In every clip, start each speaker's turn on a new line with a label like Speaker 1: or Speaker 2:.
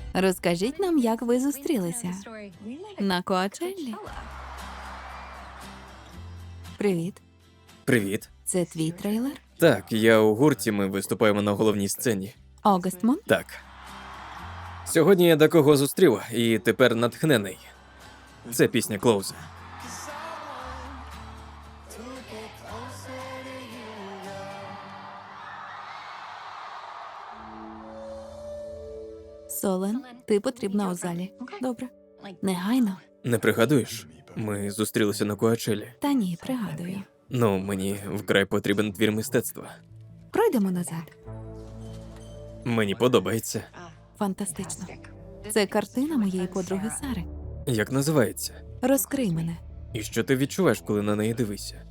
Speaker 1: Розкажіть нам, як ви зустрілися. На Коачеллі? Привіт.
Speaker 2: Привіт.
Speaker 1: Це твій трейлер?
Speaker 2: Так, я у гурті, ми виступаємо на головній сцені.
Speaker 1: Огастмон?
Speaker 2: Так. Сьогодні я декого зустрів і тепер натхнений. Це пісня Клоуза.
Speaker 1: Солен, ти потрібна у залі. Добре. Негайно?
Speaker 2: Не пригадуєш? Ми зустрілися на Коачелі.
Speaker 1: Та ні, пригадую.
Speaker 2: Ну, мені вкрай потрібен твір мистецтва.
Speaker 1: Пройдемо назад.
Speaker 2: Мені подобається.
Speaker 1: Фантастично. Це картина моєї подруги Сари.
Speaker 2: Як називається?
Speaker 1: Розкрий мене.
Speaker 2: І що ти відчуваєш, коли на неї дивишся?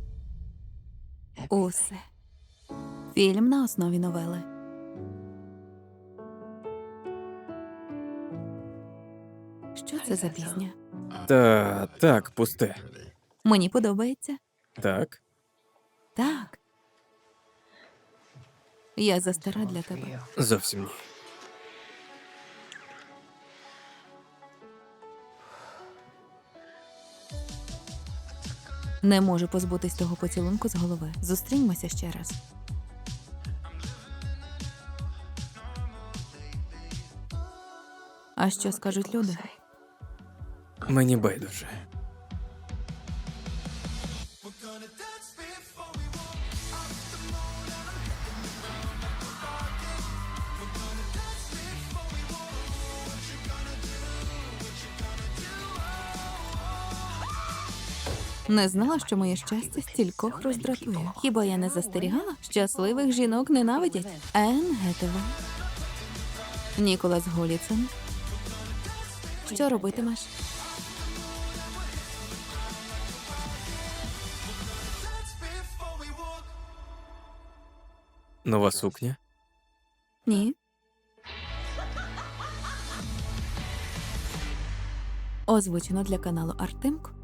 Speaker 1: Усе. Фільм на основі новели. Що це за пісня?
Speaker 2: Так, пусте.
Speaker 1: Мені подобається.
Speaker 2: Так?
Speaker 1: Так. Я застара для тебе.
Speaker 2: Зовсім ні.
Speaker 1: Не можу позбутись того поцілунку з голови. Зустріньмося ще раз. А що скажуть люди?
Speaker 2: Мені байдуже.
Speaker 1: Не знала, що моє щастя стількох роздратує. Хіба я не застерігала? Щасливих жінок ненавидять. Енн Гетевей. Ніколас Голіцин. Що робитимеш?
Speaker 2: Нова сукня?
Speaker 1: Ні. Озвучено для каналу Артемко